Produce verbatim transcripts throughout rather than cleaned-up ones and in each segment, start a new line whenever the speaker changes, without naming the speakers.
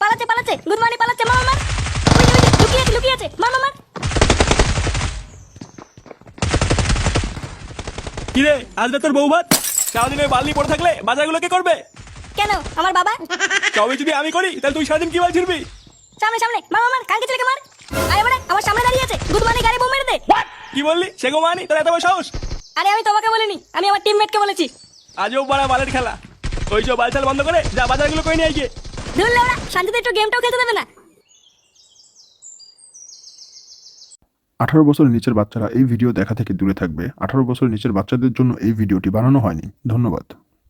পালাচ্ছে পালাচ্ছে গুদমানি পালাচ্ছে, মার মার। ওই যে, ওই যে, লুকিয়ে আছে লুকিয়ে আছে, মার মার মার।
কি রে, আজ তোর বউ ভাত? সারাদিন ওই বালি পড়ে থাকলে বাজারগুলো কে করবে?
কেন আমার বাবা?
সবই যদি আমি করি তাহলে তুই সারাদিন কি বাল ছিড়বি?
সামনে সামনে মার মার মার, কালকে ছেলেকে মার। আরে বাড়া, আমার সামনে দাঁড়িয়ে আছে, গুদমানি গাড়ি বোম মেরে দে।
কি বললি? সে গো মানি তোর এত বড় সাহস?
আরে আমি তোমাকে বলিনি, আমি আমার টিমমেটকে বলেছি।
আজও বড় বালের খেলা। ওই যে বালছাল বন্ধ করে যা বাজারগুলো করে নিয়ে আয় গিয়ে।
ধুর লেওড়া, শান্তিতে একটু গেমটাও খেলতে দেবে না।
আঠারো বছরের নিচের বাচ্চারা এই ভিডিও দেখা থেকে দূরে থাকবে। আঠারো বছরের নিচের বাচ্চাদের জন্য এই ভিডিওটি বানানো হয়নি। ধন্যবাদ।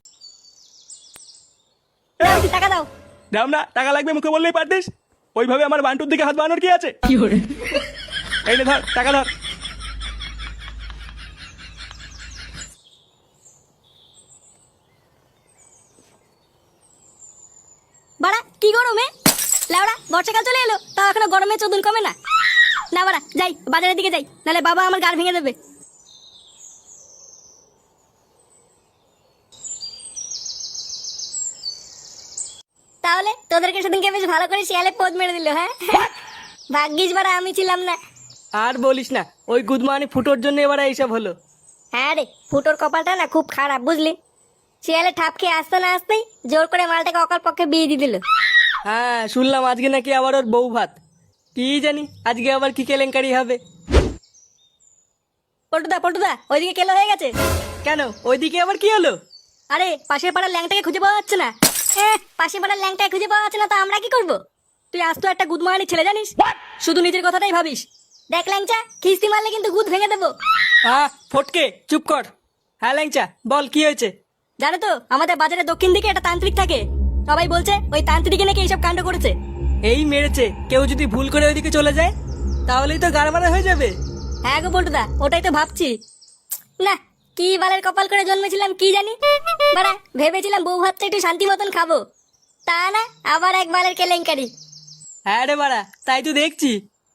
দাও, টাকা দাও।
দাম না, টাকা লাগবে মুখে বললেই পারতিস। ওইভাবে আমার বান্টুর দিকে হাত বানানোর কি আছে? এই নে ধর, টাকা ধর।
বাড়া কি গরমে লেওড়া, বর্ষাকাল চলে এলো তাও এখনো গরমে চোদন কমে না। না বাড়া, যাই বাজারের দিকে যাই, নাহলে বাবা আমার গাড় ভেঙে দেবে। তাহলে তোদেরকে সেদিনকে বেশ ভালো করে শিয়ালে পোদ মেরে দিল, হ্যাঁ? ভাগ্যিস বাড়া আমি ছিলাম না।
আর বলিস না, ওই গুদমানি ফুটোর জন্য এবার এইসব হলো।
হ্যাঁ রে, ফুটোর কপালটা না খুব খারাপ, বুঝলি? শিয়ালে ঠাপ খেয়ে আসতে না আসতেই জোর করে মালটাকে অকাল পক্ষে বিয়ে দিয়ে দিল।
হ্যাঁ, শুনলাম আজকে নাকি আবার ওর বউ ভাত। কি জানি আজকে আবার কি কেলেঙ্কারি হবে।
পল্টুদা পল্টুদা, ওইদিকে কেলো হয়ে গেছে।
কেন, ওইদিকে আবার কি হলো?
আরে পাশের পাড়ার ল্যাংটাকে খুঁজে পাওয়া যাচ্ছে না। হ্যাঁ, পাশের পাড়ার ল্যাংটাকে খুঁজে পাওয়া যাচ্ছে না, তো আমরা কি করব? তুই আজ তো একটা গুদমানি ছেলে, জানিস? শুধু নিজের কথাটাই ভাবিস। দেখ ল্যাংচা, খিস্তি মারলে কিন্তু গুদ ভেঙে দেবো।
হ্যাঁ ফটকে, চুপ কর। হ্যাঁ ল্যাংচা, বল কি হয়েছে?
জানো তো, আমাদের বাজারের দক্ষিণ দিকে একটা তান্ত্রিক থাকে। সবাই বলছে ওই তান্ত্রিকে নাকি এইসব কাণ্ড করেছে।
এই মেরেছে, কেউ যদি ভুল করে ওইদিকে চলে যায় তাহলেই তো গাড়মারা হয়ে যাবে।
হ্যাঁ গো পল্টুদা, ওটাই তো ভাবছি। না, কি বালের কপাল করে জন্মেছিলাম কি জানি। বাড়া, ভেবেছিলাম বউ ভাতটা একটু শান্তি মতন খাবো, তা না আবার এক বালের কেলেঙ্কারি।
হ্যাঁ রে বাড়া, তাই তো দেখছি।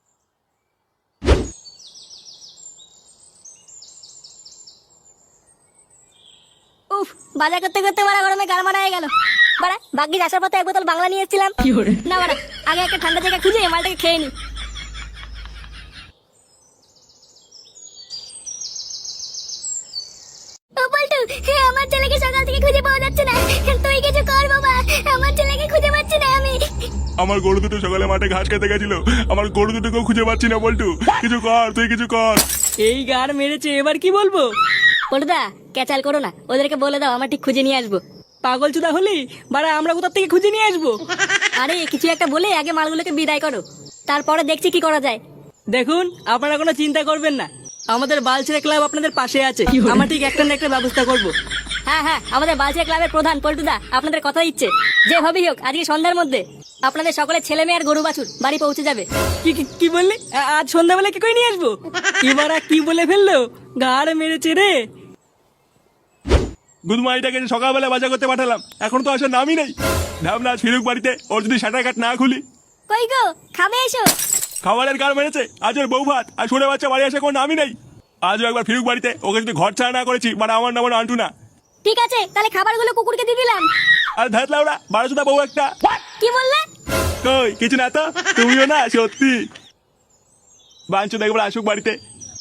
উফ, বাজার করতে করতে বাড়া গরমে গাল মারা হয়ে গেল। বাড়া, ভাগ্যিস আসার পথে এক বোতল বাংলা নিয়ে এসেছিলাম। না বাড়া, আগে একটা ঠান্ডা জায়গা খুঁজে মালটাকে খেয়ে নি। ও পল্টু, আমার ছেলেকে সকাল থেকে খুঁজে পাওয়া যাচ্ছে না। তুই কিছু কর বাবা, আমার ছেলেকে খুঁজে পাচ্ছি না আমি।
আমার গরু দুটো সকালে মাঠে ঘাস খেতে গেছিল, আমার গরু দুটোকেও খুঁজে পাচ্ছি না। বল্টু, কিছু কর, তুই কিছু কর।
এই গাড় মেরেছে, এবার কি বলবো?
পল্টুদা, ক্যাচাল করো না, ওদেরকে বলে দাও আমরা ঠিক খুঁজে নিয়ে আসবো।
পাগল চুদা হলি বাড়া, আমরা কোথা থেকে খুঁজে নিয়ে আসবো?
আরে কিছু একটা বলে আগে মালগুলোকে বিদায় করো, তারপরে দেখছি কি করা যায়।
দেখুন, আপনারা কোনো চিন্তা করবেন না, আমাদের বালছেড়ে ক্লাব আপনাদের পাশে আছে। আমরা ঠিক একটা না একটা ব্যবস্থা করব।
হ্যাঁ হ্যাঁ, আমাদের বালচিয়া ক্লাবের প্রধান পল্টুদা আপনাদের কথা দিচ্ছে, যেভাবেই হোক আজকে সন্ধ্যার মধ্যে আপনাদের সকলের ছেলে মেয়ে আর গরু বাছুর বাড়ি পৌঁছে যাবে।
কি কি- কি বললি? আ- আজ সন্ধ্যাবেলা কি করে নিয়ে আসবো? এবার আর কি বলে ফেললো, গাড় মেরেছে রে।
গুদমাইটাকে সকালবেলা বাজার করতে পাঠালাম, এখন তো আসার নামই নেই। ভাবনা আজ ফিরুক বাড়িতে, ওর যদি শাটার কাট না খুলি।
কই গো, খাবে এসো।
খাবারের কার মেরেছে, আজ ওর বউ ভাত আর ছোট বাচ্চা বাড়ি আসে কোনো নামই নেই। আজও একবার ফিরুক বাড়িতে, ওকে যদি ঘর ছাড়া না করেছি মানে আমার নাম আন্টু না।
ঠিক আছে, তাহলে খাবারগুলো কুকুরকে দিয়ে দিলাম।
আর ধাত লাউড়া বারোশোটা বউ একটা।
কি বললে?
কই কিছু না তো, তুমিও না সত্যি। বাঞ্চ দেখবার আসুক বাড়িতে।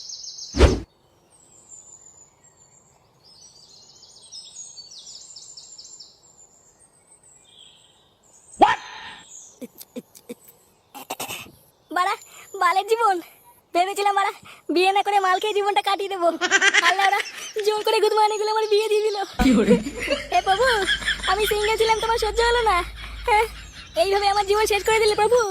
বাড়া, বালের জীবন। ভেবেছিলাম বাড়া বিয়ে না করে মাল খেয়ে জীবনটা কাটিয়ে দেবো, আল্লাহ ওরা জোর করে গুদমানি গুলো আমার বিয়ে দিয়ে দিল। এ প্রভু, আমি সিঙ্গেল ছিলাম, তোমার সহ্য হলো না। হ্যাঁ, এইভাবে আমার জীবন শেষ করে দিলে প্রভু।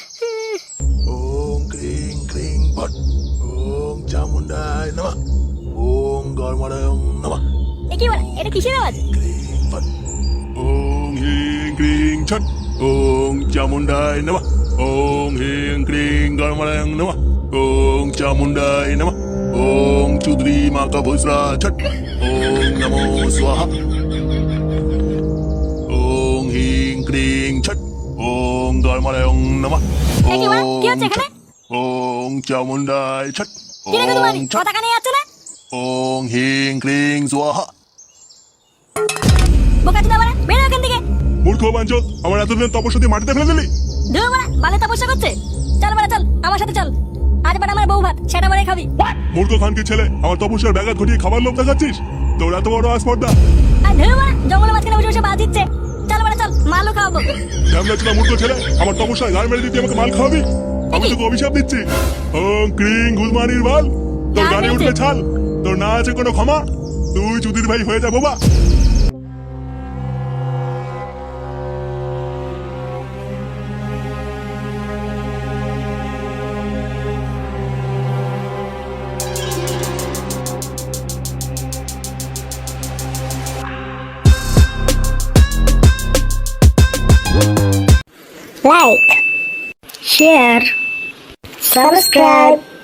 ওম ক্রিং ক্রিং ভট ওম চামুন্ডায় নমঃ ওম গর্মণায় নমঃ
এ কি বাড়া, এটা কিসের আওয়াজ?
ক্রিং ভট
ওং হিং ক্রিং ছট, ওং চামুন্ডায় নমঃ, ওং হিং ক্রিং গর্মণায় নমঃ, ওং চামুন্ডায় নমঃ, ওং চুদ্রি মাকা ভুসরা ছট, ওং নমো স্বাহা, ওং হিং ক্রিং ছট, ওং গর্মণায় নমঃ,
এ কি বাড়া, কি হচ্ছে এখানে?
ওং চামুন্ডায় ছট,
কি রে গুদমানি,
ওং ছট,
কথা কানে যাচ্ছে না?
ওং হিং ক্রিং স্বাহা।
বোকা চোদা বাড়া, বেরো এখান থেকে।
মূর্খ বাঞ্চত, আমার এতদিন তপস্যা দিয়ে মাটিতে ফেলে দিলি।
ধুর বাড়া, বালে তপস্যা করছে। চল বাড়া চল, আমার সাথে চল। আজ বাড়া আমার বউ ভাত, সেটা বাড়াই খাবি।
মূর্খ খানকি ছেলে, আমার তপস্যার ব্যাঘাত ঘটিয়ে খাবার লোভ দেখাচ্ছিস? তোর এত বড় আসপর্দা!
আর ধুর বাড়া, জঙ্গলের মাঝখানে বসে বসে বাজ দিচ্ছে। চল বাড়া চল, মালও খাওয়াবো।
কেমন ছিল মূর্খ ছেলে, আমার তপস্যায় গায়ে মেরে দিতে আমাকে মাল খাওয়াবি? আমি তোকে অভিশাপ দিচ্ছি। ওং ক্রিং গুলমানির বাল, তোর গানে উঠবে ছাল, তোর না আছে কোনো ক্ষমা। তুই চুদির ভাই হয়ে যা বাবা।
Like, share, subscribe.